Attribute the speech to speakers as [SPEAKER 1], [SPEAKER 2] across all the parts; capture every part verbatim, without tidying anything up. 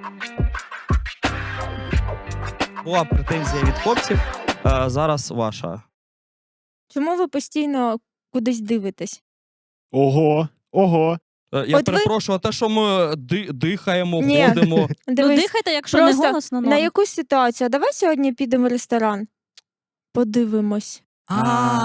[SPEAKER 1] Була претензія від хлопців, е, зараз ваша.
[SPEAKER 2] Чому ви постійно кудись дивитесь?
[SPEAKER 3] Ого, ого.
[SPEAKER 1] Е, Я
[SPEAKER 2] От ви-
[SPEAKER 1] перепрошую, а те, що ми ди- дихаємо,
[SPEAKER 2] Ні.
[SPEAKER 1] ходимо.
[SPEAKER 4] Ну
[SPEAKER 2] Дивись,
[SPEAKER 4] дихайте, якщо
[SPEAKER 2] просто
[SPEAKER 4] не голосно,
[SPEAKER 2] на
[SPEAKER 4] норм.
[SPEAKER 2] яку ситуацію? Давай сьогодні підемо в ресторан. Подивимось.
[SPEAKER 1] А,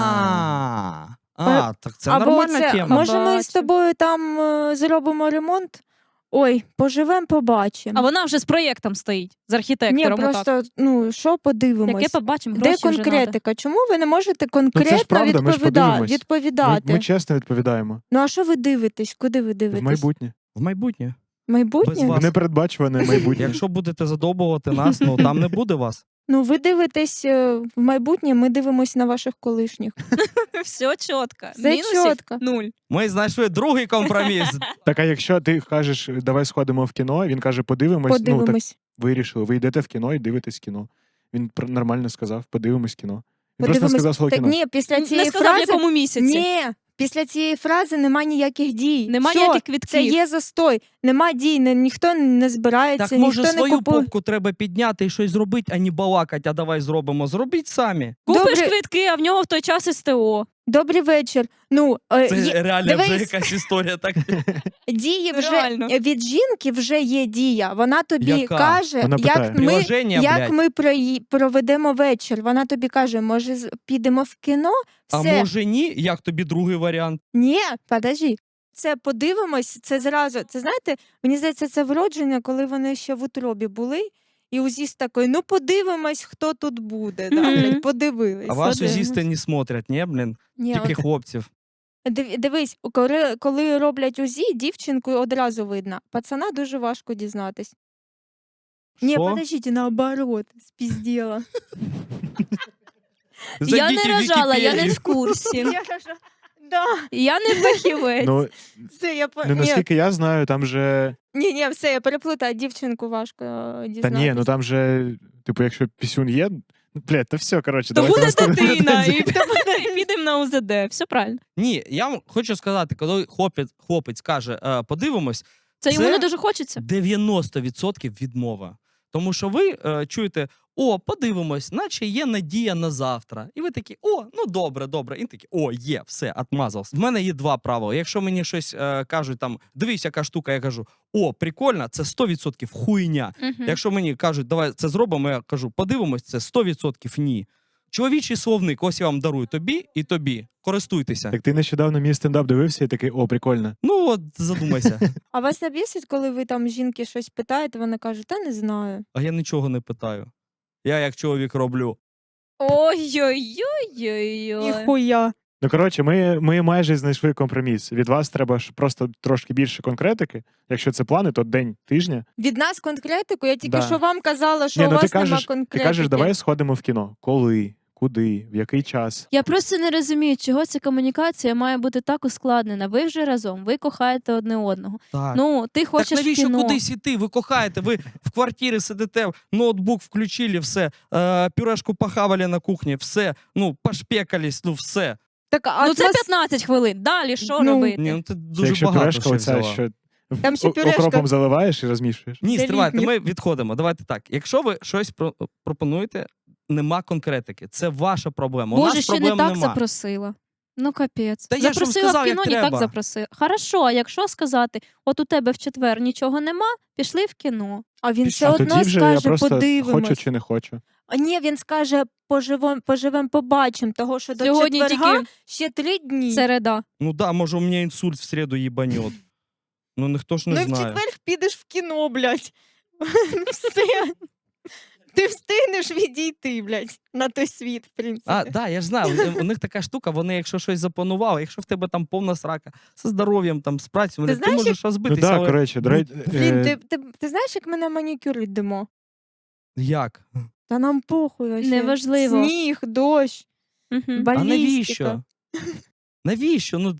[SPEAKER 1] а, так це
[SPEAKER 2] Або
[SPEAKER 1] нормальна
[SPEAKER 2] це,
[SPEAKER 1] тема.
[SPEAKER 2] може ми з
[SPEAKER 4] Побачимо.
[SPEAKER 2] тобою там е, зробимо ремонт? Ой, поживемо, побачимо.
[SPEAKER 4] А вона вже з проєктом стоїть, з
[SPEAKER 2] Ні,
[SPEAKER 4] архітектором. отак.
[SPEAKER 2] просто, ну, що подивимось?
[SPEAKER 4] Яке побачимо,
[SPEAKER 2] Де
[SPEAKER 4] гроші вже надо.
[SPEAKER 2] конкретика? Чому ви не можете конкретно
[SPEAKER 3] Ну, правда, ми ж
[SPEAKER 2] відповіда-
[SPEAKER 3] подивимось. Ми,
[SPEAKER 2] відповідати?
[SPEAKER 3] ми чесно відповідаємо.
[SPEAKER 2] Ну а що ви дивитесь? Куди ви дивитесь?
[SPEAKER 3] В майбутнє.
[SPEAKER 1] В майбутнє.
[SPEAKER 2] Майбутнє?
[SPEAKER 1] Без вас.
[SPEAKER 3] В непередбачуване майбутнє.
[SPEAKER 1] Якщо будете задовбувати нас, ну там не буде вас.
[SPEAKER 2] Ну ви дивитесь е, в майбутнє, ми дивимось на ваших колишніх.
[SPEAKER 4] Все чітко.
[SPEAKER 2] Все
[SPEAKER 4] Мінусів
[SPEAKER 2] чітко.
[SPEAKER 4] нуль.
[SPEAKER 1] Ми знайшли другий компроміс.
[SPEAKER 3] Так, а якщо ти кажеш, давай сходимо в кіно, він каже, подивимось, ну так
[SPEAKER 2] Подивимось.
[SPEAKER 3] вирішили. Ви йдете в кіно і дивитесь кіно. Він пр- нормально сказав, подивимось кіно. Він просто не
[SPEAKER 2] Подивимось.
[SPEAKER 3] сказав слово
[SPEAKER 2] Так,
[SPEAKER 3] кіно.
[SPEAKER 2] ні, після
[SPEAKER 4] Не
[SPEAKER 2] цієї
[SPEAKER 4] сказав, в
[SPEAKER 2] фрази...
[SPEAKER 4] якому місяці.
[SPEAKER 2] Ні, після цієї фрази нема ніяких дій.
[SPEAKER 4] Нема
[SPEAKER 2] Всьо,
[SPEAKER 4] ніяких квитків.
[SPEAKER 2] це є застой. Нема дій, не, ніхто не збирається,
[SPEAKER 1] Так може
[SPEAKER 2] ніхто не
[SPEAKER 1] свою
[SPEAKER 2] купує.
[SPEAKER 1] попку треба підняти і щось зробити, а не балакать, а давай зробимо. Зробіть самі.
[SPEAKER 4] Купиш
[SPEAKER 2] Добре.
[SPEAKER 4] квитки, а в нього в той час СТО.
[SPEAKER 2] Добрий вечір. Ну, е,
[SPEAKER 1] Це
[SPEAKER 2] є-
[SPEAKER 1] реально вже
[SPEAKER 2] дивись.
[SPEAKER 1] якась історія. Так.
[SPEAKER 2] дії вже
[SPEAKER 4] Реально.
[SPEAKER 2] від жінки вже є дія. Вона тобі
[SPEAKER 1] Яка?
[SPEAKER 2] каже,
[SPEAKER 3] Вона питає.
[SPEAKER 2] як ми,
[SPEAKER 1] Приложення,
[SPEAKER 2] як
[SPEAKER 1] блядь.
[SPEAKER 2] ми прої- проведемо вечір. Вона тобі каже, може, з- підемо в кіно?
[SPEAKER 1] А
[SPEAKER 2] Все.
[SPEAKER 1] може ні? Як тобі другий варіант?
[SPEAKER 2] Ні, подожди. Це подивимось, це зразу. Це знаєте, мені здається, це вродження, коли вони ще в утробі були. І узіст такий, ну подивимось, хто тут буде. Да,
[SPEAKER 4] Мгм.
[SPEAKER 2] блядь, подивились.
[SPEAKER 1] А вас
[SPEAKER 2] подивимось.
[SPEAKER 1] узісти не смотрять, ні, блін?
[SPEAKER 2] Ні,
[SPEAKER 1] Тільки
[SPEAKER 2] от,
[SPEAKER 1] хлопців.
[SPEAKER 2] див- дивись, коли, коли роблять УЗІ, дівчинку одразу видно. Пацана дуже важко дізнатись. Ні,
[SPEAKER 1] Що?
[SPEAKER 2] подождіть, наоборот, спізділа.
[SPEAKER 4] Я
[SPEAKER 1] Зайдіть
[SPEAKER 4] не
[SPEAKER 1] в
[SPEAKER 4] рожала, я не
[SPEAKER 1] Вікіпедію.
[SPEAKER 4] в курсі.
[SPEAKER 2] Я кажу, да,
[SPEAKER 4] Я не фахівець.
[SPEAKER 3] Ну,
[SPEAKER 2] все, я по...
[SPEAKER 3] ну,
[SPEAKER 2] ні,
[SPEAKER 3] наскільки я знаю, там же.
[SPEAKER 2] ні, ні, все, я переплутала, дівчинку важко е,
[SPEAKER 3] Та
[SPEAKER 2] дізнатись.
[SPEAKER 3] ні, ну там же, типу, якщо пісюн є. ну, Блядь, то все, коротше,
[SPEAKER 4] То
[SPEAKER 3] давайте
[SPEAKER 4] буде
[SPEAKER 3] наступне
[SPEAKER 4] дитина,
[SPEAKER 3] питання.
[SPEAKER 4] і підемо на УЗД. Все правильно.
[SPEAKER 1] Ні, я вам хочу сказати, коли хлопець, хлопець каже, е, подивимось,
[SPEAKER 4] Це йому
[SPEAKER 1] Це-
[SPEAKER 4] не дуже хочеться.
[SPEAKER 1] дев'яносто відсотків відмова. Тому що ви е, чуєте, о, подивимось, наче є надія на завтра. І ви такі, о, ну добре, добре. І такі, о, є, все, отмазався. В мене є два правила. Якщо мені щось е, кажуть, там, дивись, яка штука, я кажу, о, прикольно, це сто відсотків хуйня.
[SPEAKER 4] Мгм.
[SPEAKER 1] Якщо мені кажуть, давай це зробимо, я кажу, подивимось, це сто відсотків ні. Чоловічий словник, ось я вам дарую тобі і тобі. Користуйтеся.
[SPEAKER 3] Так ти нещодавно мій стендап дивився і такий, о, прикольно.
[SPEAKER 1] Ну от задумайся.
[SPEAKER 2] А вас не бісить, коли ви там жінки щось питаєте, вона каже, та не знаю.
[SPEAKER 1] А я нічого не питаю. Я як чоловік роблю.
[SPEAKER 4] Ой-ой-ой-ой-ой.
[SPEAKER 2] Ніхуя.
[SPEAKER 3] Ну, коротше, ми, ми майже знайшли компроміс. Від вас треба ж просто трошки більше конкретики. Якщо це плани, то день тижня.
[SPEAKER 2] Від нас конкретику, я тільки
[SPEAKER 3] Да.
[SPEAKER 2] що вам казала, що
[SPEAKER 3] Ні,
[SPEAKER 2] у
[SPEAKER 3] ну ти
[SPEAKER 2] вас нема
[SPEAKER 3] кажеш, ти
[SPEAKER 2] конкретики.
[SPEAKER 3] кажеш, давай сходимо в кіно. Коли, куди, в який час.
[SPEAKER 4] Я просто не розумію, чого ця комунікація має бути так ускладнена. Ви вже разом, ви кохаєте одне одного.
[SPEAKER 1] Так.
[SPEAKER 4] Ну, ти хочеш
[SPEAKER 1] так навіщо
[SPEAKER 4] в кіно.
[SPEAKER 1] кудись іти? Ви кохаєте, ви в квартирі сидите, ноутбук включили, все, е, пюрешку похавали на кухні, все, ну, пошпекались, ну все.
[SPEAKER 2] Так, а
[SPEAKER 4] Ну це
[SPEAKER 2] вас-
[SPEAKER 4] п'ятнадцять хвилин. Далі що
[SPEAKER 2] Ну,
[SPEAKER 4] робити?
[SPEAKER 1] Ні, ну ти
[SPEAKER 3] Це
[SPEAKER 1] дуже
[SPEAKER 3] якщо
[SPEAKER 1] багато
[SPEAKER 3] пюрешка
[SPEAKER 1] ще
[SPEAKER 3] оця,
[SPEAKER 1] взяла.
[SPEAKER 3] що
[SPEAKER 2] Там ще
[SPEAKER 3] о-
[SPEAKER 2] пюрешка.
[SPEAKER 3] окропом заливаєш і розмішуєш.
[SPEAKER 1] Ні,
[SPEAKER 2] Це
[SPEAKER 1] стривайте,
[SPEAKER 2] літнє.
[SPEAKER 1] ми відходимо. Давайте так. Якщо ви щось про- пропонуєте, нема конкретики. Це ваша проблема. У
[SPEAKER 4] Боже,
[SPEAKER 1] нас
[SPEAKER 4] ще не
[SPEAKER 1] проблем
[SPEAKER 4] так
[SPEAKER 1] нема.
[SPEAKER 4] запросила. Ну, капець.
[SPEAKER 1] Та я ж вам
[SPEAKER 4] запросила
[SPEAKER 1] сказав,
[SPEAKER 4] в
[SPEAKER 1] як
[SPEAKER 4] кіно, не так
[SPEAKER 1] треба.
[SPEAKER 4] запросила. Хорошо, а якщо сказати, от у тебе в четвер нічого нема, пішли в кіно.
[SPEAKER 2] А він
[SPEAKER 1] Пішли.
[SPEAKER 2] все
[SPEAKER 3] А
[SPEAKER 2] одно
[SPEAKER 3] тоді вже я
[SPEAKER 2] скаже,
[SPEAKER 3] просто
[SPEAKER 2] подивимось.
[SPEAKER 3] хочу чи не хочу.
[SPEAKER 2] А ні, він скаже, поживем, поживем, побачимо, того, що до
[SPEAKER 4] Сьогодні
[SPEAKER 2] четверга
[SPEAKER 4] тільки
[SPEAKER 2] ще три дні.
[SPEAKER 4] середа.
[SPEAKER 1] Ну да, може у мене інсульт в середу їбанет. Ну ніхто ж не
[SPEAKER 2] ну і в
[SPEAKER 1] знає.
[SPEAKER 2] четвер підеш в кіно, блядь. Все. Ти встигнеш відійти, блядь, на той світ, в принципі.
[SPEAKER 1] А, да, я ж знаю, у- у них така штука, вони, якщо щось запланували, якщо в тебе там повна срака зі здоров'ям, там, з працею,
[SPEAKER 2] Ти
[SPEAKER 1] ти,
[SPEAKER 2] знаєш,
[SPEAKER 1] можеш
[SPEAKER 3] Ну
[SPEAKER 1] розбитися,
[SPEAKER 3] так,
[SPEAKER 1] але
[SPEAKER 3] коротше, до
[SPEAKER 1] ну,
[SPEAKER 3] речі,
[SPEAKER 2] Блін,
[SPEAKER 3] е,
[SPEAKER 2] ти, ти, ти знаєш, як ми на манікюр йдемо?
[SPEAKER 1] як?
[SPEAKER 2] Та нам похуй вообще.
[SPEAKER 4] Неважливо.
[SPEAKER 2] Сніг, дощ,
[SPEAKER 4] Угу.
[SPEAKER 1] А
[SPEAKER 2] балістика.
[SPEAKER 1] навіщо? Навіщо? Ну,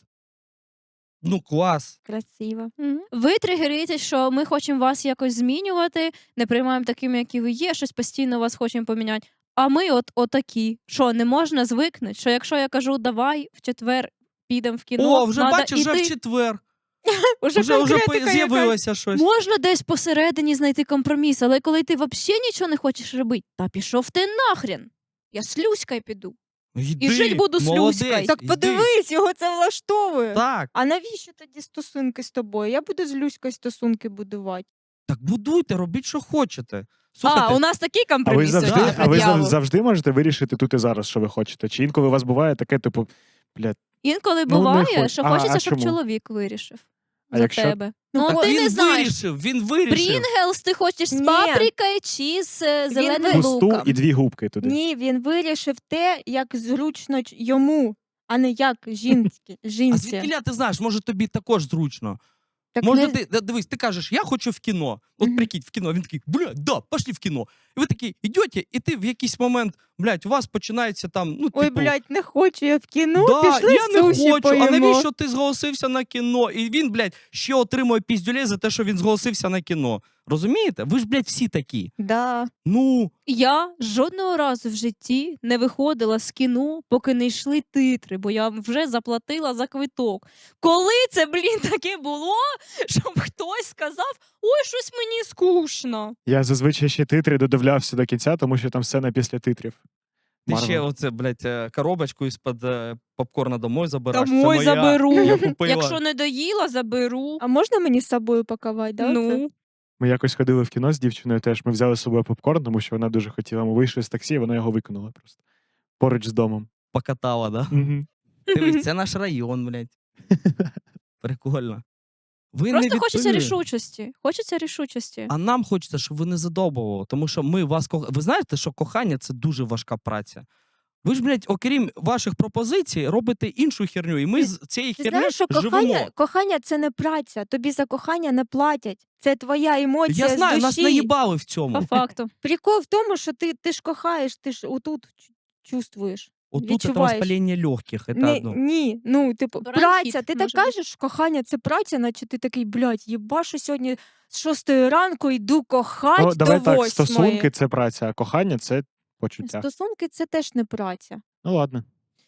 [SPEAKER 1] ну клас.
[SPEAKER 2] Красиво.
[SPEAKER 4] Ви тригеритесь, що ми хочемо вас якось змінювати, не приймаємо такими, які ви є, щось постійно вас хочемо поміняти. А ми от отакі. Що, не можна звикнути? Що якщо я кажу, давай в четвер підемо в кіно,
[SPEAKER 1] О, вже
[SPEAKER 4] надо
[SPEAKER 1] бачиш, вже
[SPEAKER 4] іти.
[SPEAKER 1] в четвер.
[SPEAKER 2] Уже,
[SPEAKER 1] Вже, вже
[SPEAKER 2] конкретика якась.
[SPEAKER 1] з'явилося щось.
[SPEAKER 4] Можна десь посередині знайти компроміс, але коли ти взагалі нічого не хочеш робити, та пішов ти нахрен. Я з Люською піду.
[SPEAKER 1] Йди,
[SPEAKER 4] І жить буду з
[SPEAKER 1] молодець,
[SPEAKER 4] Люською.
[SPEAKER 2] Так
[SPEAKER 1] йди.
[SPEAKER 2] подивись, його це влаштовує.
[SPEAKER 1] Так,
[SPEAKER 2] А навіщо тоді стосунки з тобою? Я буду з Люською стосунки будувати.
[SPEAKER 1] так будуйте, робіть, що хочете. Слухайте,
[SPEAKER 4] А, у нас такий
[SPEAKER 3] А ви
[SPEAKER 4] компроміс.
[SPEAKER 3] завжди,
[SPEAKER 1] да,
[SPEAKER 3] а ви зав-
[SPEAKER 4] пред'явив.
[SPEAKER 3] завжди можете вирішити тут і зараз, що ви хочете? Чи інколи у вас буває таке, типу, блядь,
[SPEAKER 4] Інколи
[SPEAKER 3] Ну, не
[SPEAKER 4] буває,
[SPEAKER 3] хочу.
[SPEAKER 4] що
[SPEAKER 3] А,
[SPEAKER 4] хочеться,
[SPEAKER 3] а
[SPEAKER 4] щоб
[SPEAKER 3] чому?
[SPEAKER 4] чоловік вирішив
[SPEAKER 3] А
[SPEAKER 4] за
[SPEAKER 3] якщо-
[SPEAKER 4] тебе.
[SPEAKER 2] Ну,
[SPEAKER 4] Ну,
[SPEAKER 2] так
[SPEAKER 4] ти
[SPEAKER 1] він
[SPEAKER 4] не знаєш,
[SPEAKER 1] вирішив, він вирішив.
[SPEAKER 4] Прінгелс ти хочеш з
[SPEAKER 2] Ні.
[SPEAKER 4] паприкою чи з е,
[SPEAKER 2] Він
[SPEAKER 4] зеленим
[SPEAKER 2] ви-
[SPEAKER 3] пусту
[SPEAKER 4] луком?
[SPEAKER 3] і дві губки туди?
[SPEAKER 2] Ні, він вирішив те, як зручно ч- йому, а не як жінці.
[SPEAKER 1] А
[SPEAKER 2] жінці.
[SPEAKER 1] звідкіля ти знаєш, може тобі також зручно.
[SPEAKER 2] Так
[SPEAKER 1] Може,
[SPEAKER 2] не-
[SPEAKER 1] ти да, дивись, ти кажеш, я хочу в кіно. От
[SPEAKER 2] Мгм.
[SPEAKER 1] прикинь, в кіно. Він такий, блядь, да, пошли в кіно. І ви такі йдете, і ти в якийсь момент, блядь, у вас починається там, ну,
[SPEAKER 2] Ой,
[SPEAKER 1] типу,
[SPEAKER 2] блядь, не хочу я в кіно,
[SPEAKER 1] да,
[SPEAKER 2] пішли
[SPEAKER 1] я не
[SPEAKER 2] суші
[SPEAKER 1] хочу.
[SPEAKER 2] поїмо.
[SPEAKER 1] А навіщо ти зголосився на кіно? І він, блядь, ще отримує піздюлей за те, що він зголосився на кіно. Розумієте? Ви ж, блядь, всі такі.
[SPEAKER 2] Да.
[SPEAKER 1] Ну,
[SPEAKER 4] Я жодного разу в житті не виходила з кіно, поки не йшли титри, бо я вже заплатила за квиток. Коли це, блін, таке було, щоб хтось сказав, ой, щось мені скучно.
[SPEAKER 3] Я зазвичай ще титри додивлявся до кінця, тому що там сцена після титрів.
[SPEAKER 1] ти
[SPEAKER 3] Марвел.
[SPEAKER 1] ще оце, блядь, е, коробочку із-під е, попкорна домой забираєш. Це
[SPEAKER 4] Домой
[SPEAKER 1] моя.
[SPEAKER 4] заберу.
[SPEAKER 1] Я купила.
[SPEAKER 4] Якщо не доїла, заберу.
[SPEAKER 2] А можна мені з собою пакувати? Да, це?
[SPEAKER 4] Ну,
[SPEAKER 3] Ми якось ходили в кіно з дівчиною теж. Ми взяли з собою попкорн, тому що вона дуже хотіла. Ми вийшли з таксі, і вона його викинула просто. Поруч з домом.
[SPEAKER 1] Покатала, да?
[SPEAKER 3] Мгм.
[SPEAKER 1] Дивись, це наш район, блядь. Прикольно. Ви
[SPEAKER 4] просто
[SPEAKER 1] не
[SPEAKER 4] хочеться
[SPEAKER 1] відповіли.
[SPEAKER 4] рішучості. Хочеться рішучості.
[SPEAKER 1] А нам хочеться, щоб ви не задовбували, тому що ми вас ко... Ви знаєте, що кохання це дуже важка праця. Ви ж, блядь, окрім ваших пропозицій, робите іншу херню, і ми
[SPEAKER 2] Ти-
[SPEAKER 1] з цієї
[SPEAKER 2] Ти
[SPEAKER 1] херні
[SPEAKER 2] знаєш, що
[SPEAKER 1] живемо.
[SPEAKER 2] кохання, кохання це не праця. Тобі за кохання не платять. Це твоя емоція
[SPEAKER 1] Я знаю,
[SPEAKER 2] з
[SPEAKER 1] нас
[SPEAKER 2] душі.
[SPEAKER 1] наїбали в
[SPEAKER 4] По
[SPEAKER 1] цьому.
[SPEAKER 4] факту.
[SPEAKER 2] Прикол в тому, що ти, ти ж кохаєш, ти ж отут чу- чувствуєш.
[SPEAKER 1] Отут це
[SPEAKER 2] відчуваєш.
[SPEAKER 1] воспалення легких. Це
[SPEAKER 2] Не,
[SPEAKER 1] одно.
[SPEAKER 2] ні, ну, типу,
[SPEAKER 4] Бронхіт
[SPEAKER 2] праця. Ти так
[SPEAKER 4] може бути.
[SPEAKER 2] кажеш, кохання це праця, наче ти такий, блядь, їбашу сьогодні з шостої ранку йду кохать
[SPEAKER 3] Ну, давай
[SPEAKER 2] до
[SPEAKER 3] так,
[SPEAKER 2] восьмої.
[SPEAKER 3] стосунки це праця, а кохання це почуття.
[SPEAKER 2] Стосунки це теж не праця.
[SPEAKER 3] Ну ладно.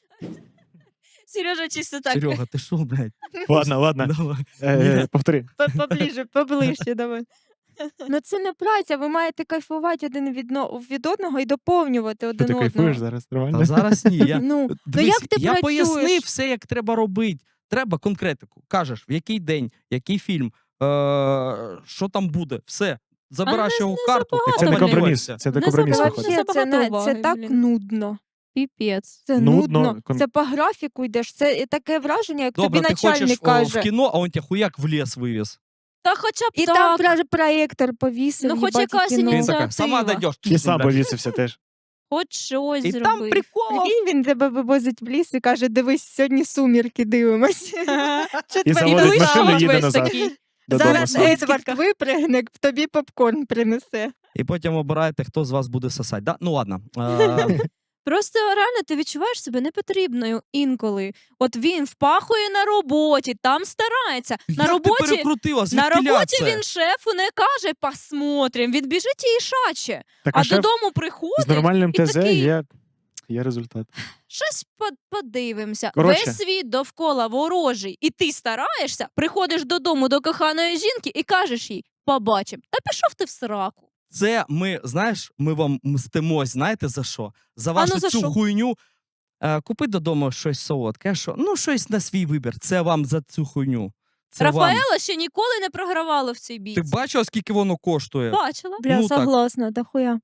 [SPEAKER 4] Сережа чисто так.
[SPEAKER 1] Серега, ти що, блядь?
[SPEAKER 3] Ладно, ладно.
[SPEAKER 1] Давай.
[SPEAKER 3] Е,
[SPEAKER 1] Ні.
[SPEAKER 3] повтори.
[SPEAKER 2] Поближе, поближче давай. Ну це не праця, ви маєте кайфувати один від, но- від одного і доповнювати
[SPEAKER 3] Що
[SPEAKER 2] один
[SPEAKER 3] ти
[SPEAKER 2] одного.
[SPEAKER 3] кайфуєш зараз? Нормально?
[SPEAKER 1] Та зараз ні. Я...
[SPEAKER 2] Ну, ну
[SPEAKER 1] Дивись,
[SPEAKER 2] як ти
[SPEAKER 1] я
[SPEAKER 2] працюєш?
[SPEAKER 1] пояснив все, як треба робити. Треба конкретику. Кажеш, в який день, який фільм, е- що там буде, все. Забираєш
[SPEAKER 4] не-
[SPEAKER 1] його
[SPEAKER 4] не
[SPEAKER 1] карту,
[SPEAKER 4] забагато,
[SPEAKER 1] і
[SPEAKER 3] Це не
[SPEAKER 4] блін.
[SPEAKER 3] компроміс.
[SPEAKER 1] обманюєшся.
[SPEAKER 3] Це не
[SPEAKER 4] Не
[SPEAKER 3] компроміс
[SPEAKER 4] забагато.
[SPEAKER 3] виходить.
[SPEAKER 2] Вообще, це,
[SPEAKER 4] Забагато
[SPEAKER 2] не, це
[SPEAKER 4] уваги,
[SPEAKER 2] так
[SPEAKER 4] блін.
[SPEAKER 2] нудно.
[SPEAKER 4] Піпець.
[SPEAKER 2] Це
[SPEAKER 3] Нудно,
[SPEAKER 2] нудно.
[SPEAKER 3] кон-
[SPEAKER 2] Це по графіку йдеш. Це таке враження, як
[SPEAKER 1] Добре,
[SPEAKER 2] тобі
[SPEAKER 1] ти хочеш
[SPEAKER 2] начальник
[SPEAKER 1] о,
[SPEAKER 2] каже.
[SPEAKER 1] в кіно, а он тебе хуяк в ліс вивіз.
[SPEAKER 4] Та хоча б
[SPEAKER 2] І
[SPEAKER 4] так.
[SPEAKER 2] там про- проєктор повісив.
[SPEAKER 4] Ну, хоч
[SPEAKER 2] їбать, і
[SPEAKER 4] якась
[SPEAKER 2] кіно.
[SPEAKER 1] Він
[SPEAKER 4] ініціатива.
[SPEAKER 1] така, сама дойдеш.
[SPEAKER 3] І сам повісився теж.
[SPEAKER 4] Хоч щось
[SPEAKER 1] І
[SPEAKER 4] зробив.
[SPEAKER 1] там прикол.
[SPEAKER 2] Прикинь, він тебе вивозить в ліс і каже, дивись, сьогодні сумірки дивимось.
[SPEAKER 3] І
[SPEAKER 2] Четвер-
[SPEAKER 3] заводить
[SPEAKER 2] і
[SPEAKER 3] машину,
[SPEAKER 2] вийшов.
[SPEAKER 3] їде
[SPEAKER 4] весь
[SPEAKER 3] назад.
[SPEAKER 4] такий.
[SPEAKER 3] Додому
[SPEAKER 2] Зараз
[SPEAKER 3] сам.
[SPEAKER 2] Едвард випригне, тобі попкорн принесе.
[SPEAKER 1] І потім обираєте, хто з вас буде сосати. Да? Ну ладно. Е,
[SPEAKER 4] Просто реально ти відчуваєш себе непотрібною інколи. От він впахує на роботі, там старається. На
[SPEAKER 1] як ти
[SPEAKER 4] роботі,
[SPEAKER 1] перекрутила?
[SPEAKER 4] на
[SPEAKER 1] Звідкіля
[SPEAKER 4] роботі
[SPEAKER 1] це?
[SPEAKER 4] він шефу не каже посмотрим. Він біжить і шаче.
[SPEAKER 3] Так,
[SPEAKER 4] А
[SPEAKER 3] а шеф
[SPEAKER 4] додому
[SPEAKER 3] з
[SPEAKER 4] приходить,
[SPEAKER 3] нормальним
[SPEAKER 4] і
[SPEAKER 3] ТЗ
[SPEAKER 4] такий-
[SPEAKER 3] є, є результат.
[SPEAKER 4] щось под- подивимося.
[SPEAKER 3] Коротше.
[SPEAKER 4] Весь світ довкола ворожий, і ти стараєшся, приходиш додому до коханої жінки і кажеш їй побачим. Та пішов ти в сраку.
[SPEAKER 1] Це ми, знаєш, ми вам мстимось, знаєте за що? За
[SPEAKER 4] А
[SPEAKER 1] вашу
[SPEAKER 4] ну, за
[SPEAKER 1] цю
[SPEAKER 4] що?
[SPEAKER 1] хуйню. Е, купи додому щось солодке, що, ну щось на свій вибір. Це вам за цю хуйню. Це вам.
[SPEAKER 4] Рафаела ще ніколи не програвала в цій бійці.
[SPEAKER 1] Ти бачила, скільки воно коштує?
[SPEAKER 4] Бачила.
[SPEAKER 2] Бля,
[SPEAKER 1] Ну, так.
[SPEAKER 2] согласна, да хуя.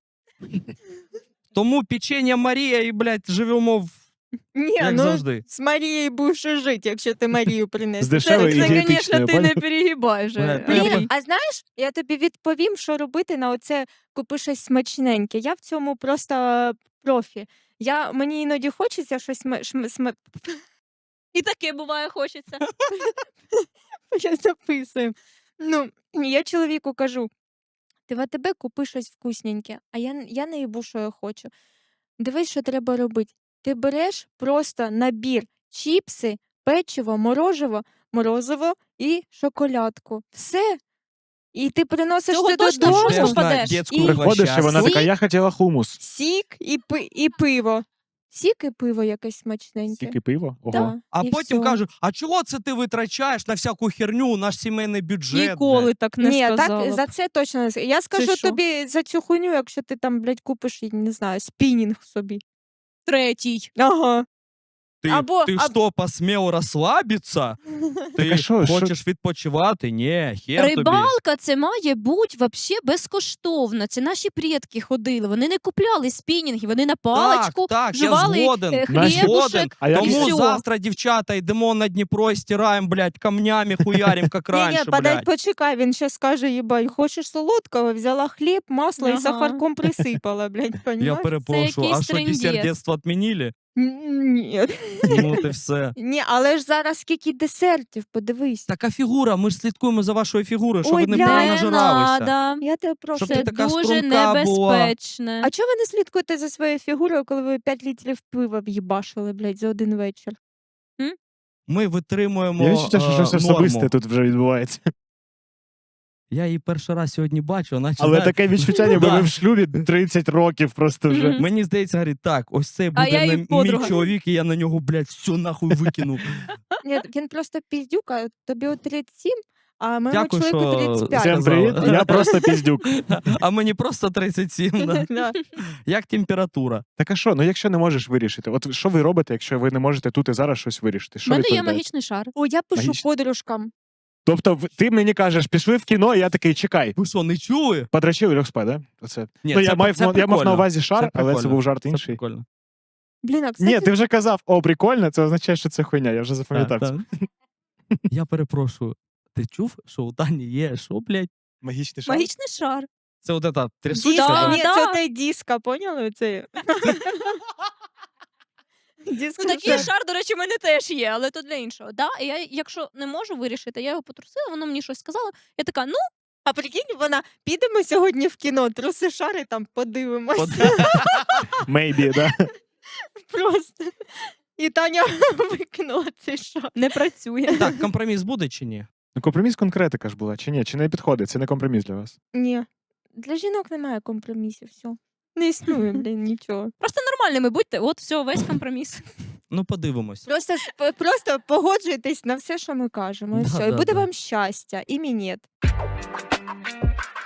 [SPEAKER 1] Тому печення Марія і, блядь, живемо в...
[SPEAKER 2] Ні,
[SPEAKER 1] як
[SPEAKER 2] ну
[SPEAKER 1] завжди.
[SPEAKER 2] з Марією будеш жити, якщо ти Марію принесеш.
[SPEAKER 3] З дешевої
[SPEAKER 2] Це-
[SPEAKER 3] і
[SPEAKER 2] це,
[SPEAKER 3] дієтичної,
[SPEAKER 2] звісно, ти
[SPEAKER 3] поняв?
[SPEAKER 2] не перегибай вже.
[SPEAKER 1] Бля,
[SPEAKER 2] Блін,
[SPEAKER 1] треба-
[SPEAKER 2] а знаєш, я тобі відповім, що робити на оце купи щось смачненьке. Я в цьому просто профі. Я, мені іноді хочеться щось сма- шм- сма-
[SPEAKER 4] І таке буває хочеться.
[SPEAKER 2] я записую. Ну, я чоловіку кажу: ти в АТБ купи щось вкусненьке, а я, я не їбу, що я хочу. Дивись, що треба робити. Ти береш просто набір чіпси, печиво, мороживо, морозиво і шоколадку. Все. І ти приносиш
[SPEAKER 4] Цього
[SPEAKER 2] це
[SPEAKER 4] точно
[SPEAKER 2] додому.
[SPEAKER 4] можна
[SPEAKER 1] Йдеш на
[SPEAKER 4] попадеш.
[SPEAKER 1] дітську
[SPEAKER 2] І-
[SPEAKER 3] Приходиш, і вона
[SPEAKER 1] площадку.
[SPEAKER 3] така, я хотіла хумус.
[SPEAKER 2] Сік і, пи- і пиво. Сік і пиво якесь смачненьке.
[SPEAKER 3] Тільки пиво? Ого.
[SPEAKER 2] Да,
[SPEAKER 1] А
[SPEAKER 2] і
[SPEAKER 1] потім
[SPEAKER 2] всьо.
[SPEAKER 1] кажуть, а чого це ти витрачаєш на всяку херню, наш сімейний бюджет?
[SPEAKER 4] Ніколи
[SPEAKER 1] блядь?»
[SPEAKER 4] так не
[SPEAKER 2] Ні,
[SPEAKER 4] сказала.
[SPEAKER 2] так
[SPEAKER 4] б.
[SPEAKER 2] за це точно не скажу. Я скажу
[SPEAKER 4] що?
[SPEAKER 2] тобі за цю хуйню, якщо ти там, блядь, купиш, я не знаю, спінінг собі.
[SPEAKER 4] Третій.
[SPEAKER 2] Ага.
[SPEAKER 1] Ти,
[SPEAKER 2] Або-
[SPEAKER 1] ти
[SPEAKER 2] аб-
[SPEAKER 1] що, посмів розслабитися? Ти
[SPEAKER 3] а що, що-
[SPEAKER 1] хочеш відпочивати? Ні, хер тобі.
[SPEAKER 4] Рибалка це має бути вообще безкоштовно. Це наші предки ходили. Вони не купляли спінінги, вони на паличку
[SPEAKER 1] так, я
[SPEAKER 4] жували
[SPEAKER 1] згоден.
[SPEAKER 4] е,
[SPEAKER 3] Наші-
[SPEAKER 1] Згоден.
[SPEAKER 4] хлібушек.
[SPEAKER 3] А як
[SPEAKER 4] і
[SPEAKER 1] Тому
[SPEAKER 4] всьо.
[SPEAKER 1] завтра, дівчата, йдемо на Дніпро і стираємо, блядь, камнями хуярим, як
[SPEAKER 2] Ні, ні,
[SPEAKER 1] раніше,
[SPEAKER 2] подай,
[SPEAKER 1] блядь.
[SPEAKER 2] почекай, він ще скаже, їбать, хочеш солодкого, взяла хліб, масло і
[SPEAKER 4] Ага.
[SPEAKER 2] сахарком присипала, блядь,
[SPEAKER 1] Я
[SPEAKER 2] понімаєш?
[SPEAKER 1] перепрошую, а
[SPEAKER 4] якийсь
[SPEAKER 1] що, десерт
[SPEAKER 4] трындець.
[SPEAKER 1] дєтства відмінили?
[SPEAKER 2] Ні.
[SPEAKER 1] Ну, ти все.
[SPEAKER 2] Ні, але ж зараз скільки десертів, подивись.
[SPEAKER 1] Така фігура, ми ж слідкуємо за вашою фігурою, щоб
[SPEAKER 2] Ой,
[SPEAKER 1] ви не
[SPEAKER 2] бля,
[SPEAKER 4] Не
[SPEAKER 1] перенажиралися.
[SPEAKER 4] надо.
[SPEAKER 2] Я тебе прошу.
[SPEAKER 1] Щоб ти
[SPEAKER 4] Це
[SPEAKER 1] така
[SPEAKER 4] дуже
[SPEAKER 1] струнка була.
[SPEAKER 4] небезпечне.
[SPEAKER 2] А чого ви не слідкуєте за своєю фігурою, коли ви п'ять літрів пива в'їбашили, блядь, за один вечір?
[SPEAKER 1] Ми витримуємо
[SPEAKER 3] Я відчуття, що
[SPEAKER 1] е,
[SPEAKER 3] щось
[SPEAKER 1] норму.
[SPEAKER 3] особисте тут вже відбувається.
[SPEAKER 1] Я її перший раз сьогодні бачу, наче,
[SPEAKER 3] Але
[SPEAKER 1] знаєш,
[SPEAKER 3] таке відчуття, ніби
[SPEAKER 1] Да.
[SPEAKER 3] ми в шлюбі тридцять років просто вже.
[SPEAKER 4] Мгм.
[SPEAKER 1] мені здається, говорить, так, ось це
[SPEAKER 4] А
[SPEAKER 1] буде
[SPEAKER 4] я її
[SPEAKER 1] не- мій
[SPEAKER 4] подруга.
[SPEAKER 1] чоловік, і я на нього, блядь, все нахуй викину.
[SPEAKER 2] Ні, він просто піздюк, а тобі от тридцять сім, а моєму
[SPEAKER 1] Дякую,
[SPEAKER 2] чоловіку
[SPEAKER 1] що
[SPEAKER 2] тридцять п'ять.
[SPEAKER 3] Всім
[SPEAKER 1] сказала.
[SPEAKER 3] привіт, я просто піздюк.
[SPEAKER 1] А мені просто тридцять сім. Да.
[SPEAKER 2] Да.
[SPEAKER 1] Як температура.
[SPEAKER 3] Так а що, ну якщо не можеш вирішити? От що ви робите, якщо ви не можете тут і зараз щось вирішити?
[SPEAKER 4] У
[SPEAKER 3] Що
[SPEAKER 4] мене є
[SPEAKER 3] відповідаєте?
[SPEAKER 4] магічний шар.
[SPEAKER 2] О, я пишу
[SPEAKER 3] Магічно.
[SPEAKER 2] подружкам.
[SPEAKER 3] Тобто в- ти мені кажеш, пішли в кіно, і я такий, чекай.
[SPEAKER 1] Ви що, не чули?
[SPEAKER 3] Подрачив і льох спать, да? Оце.
[SPEAKER 1] Ні,
[SPEAKER 3] ну,
[SPEAKER 1] це
[SPEAKER 3] я,
[SPEAKER 1] пр-
[SPEAKER 3] мав,
[SPEAKER 1] це
[SPEAKER 3] я мав на
[SPEAKER 1] прикольно.
[SPEAKER 3] увазі шар,
[SPEAKER 1] Це
[SPEAKER 3] але це
[SPEAKER 1] прикольно.
[SPEAKER 3] був жарт
[SPEAKER 1] Це
[SPEAKER 3] інший.
[SPEAKER 1] прикольно.
[SPEAKER 2] Блін, а кстати,
[SPEAKER 3] Ні, ти вже казав, о, прикольно, це означає, що це хуйня, я вже
[SPEAKER 1] Так,
[SPEAKER 3] запам'ятав.
[SPEAKER 1] так.
[SPEAKER 3] це.
[SPEAKER 1] Я перепрошую. Ти чув, що у Тані є, що, блядь?
[SPEAKER 3] Магічний шар.
[SPEAKER 4] Магічний шар.
[SPEAKER 1] Це от ета
[SPEAKER 2] диско,
[SPEAKER 1] трясучка?
[SPEAKER 4] Да,
[SPEAKER 2] ні,
[SPEAKER 4] да.
[SPEAKER 2] це той диско, поняли? Це... Диско
[SPEAKER 4] Ну, такий
[SPEAKER 2] шар.
[SPEAKER 4] шар, до речі, в мене теж є, але то для іншого. Да? І я, якщо не можу вирішити, я його потрусила, воно мені щось сказало. Я така, ну,
[SPEAKER 2] А прикинь, вона, підемо сьогодні в кіно, труси шари, там подивимося.
[SPEAKER 1] От-
[SPEAKER 3] Maybe, да?
[SPEAKER 2] Просто. І Таня викинула цей шар.
[SPEAKER 4] не працює.
[SPEAKER 1] Так, компроміс буде чи ні?
[SPEAKER 3] Ну, компроміс конкретика ж була, чи ні? Чи не підходить? Це не компроміс для вас.
[SPEAKER 2] Ні, для жінок немає компромісів, все. Не існує, блін, нічого.
[SPEAKER 4] Просто нормальними будьте, от все, весь компроміс.
[SPEAKER 1] Ну, подивимось.
[SPEAKER 2] Просто, сп- просто погоджуйтесь на все, що ми кажемо, і
[SPEAKER 1] Да,
[SPEAKER 2] все. І
[SPEAKER 1] да,
[SPEAKER 2] буде
[SPEAKER 1] да.
[SPEAKER 2] вам щастя, і мінет.